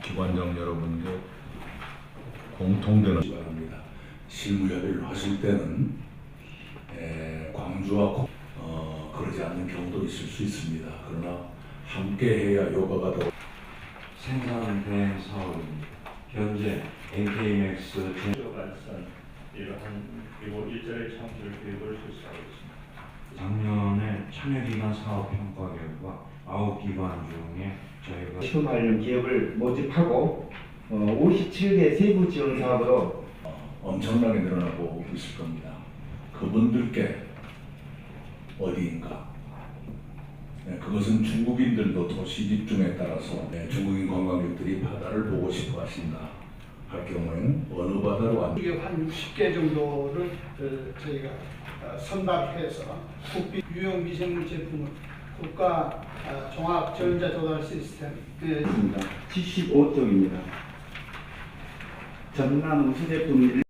기관장 여러분께 공통되는 바랍니다. 실무 협의를 하실 때는 광주와 그러지 않는 경우도 있을 수 있습니다. 그러나 함께 해야 효과가 더 생산 대행 사업입니다. 현재 NK맥스 발산 이러한 그리고 일자리 창출 계획을 실시하고 있습니다. 작년에 참여기관 사업 평가 결과 9기관 중에 저희가 시험하려는 기업을 모집하고 57개 세부 지원 사업으로 엄청나게 늘어나고 있을 겁니다. 그분들께 어디인가? 그것은 중국인들도 도시 집중에 따라서 중국인 관광객들이 바다를 보고 싶어 하신다 할 경우에는 어느 바다로 안 이게 한 60개 정도를 저희가 선박해서 국비 유형 미생물 제품을 국가 종합 전자 조달 시스템 있습니다. 75쪽입니다. 전남 우수 제품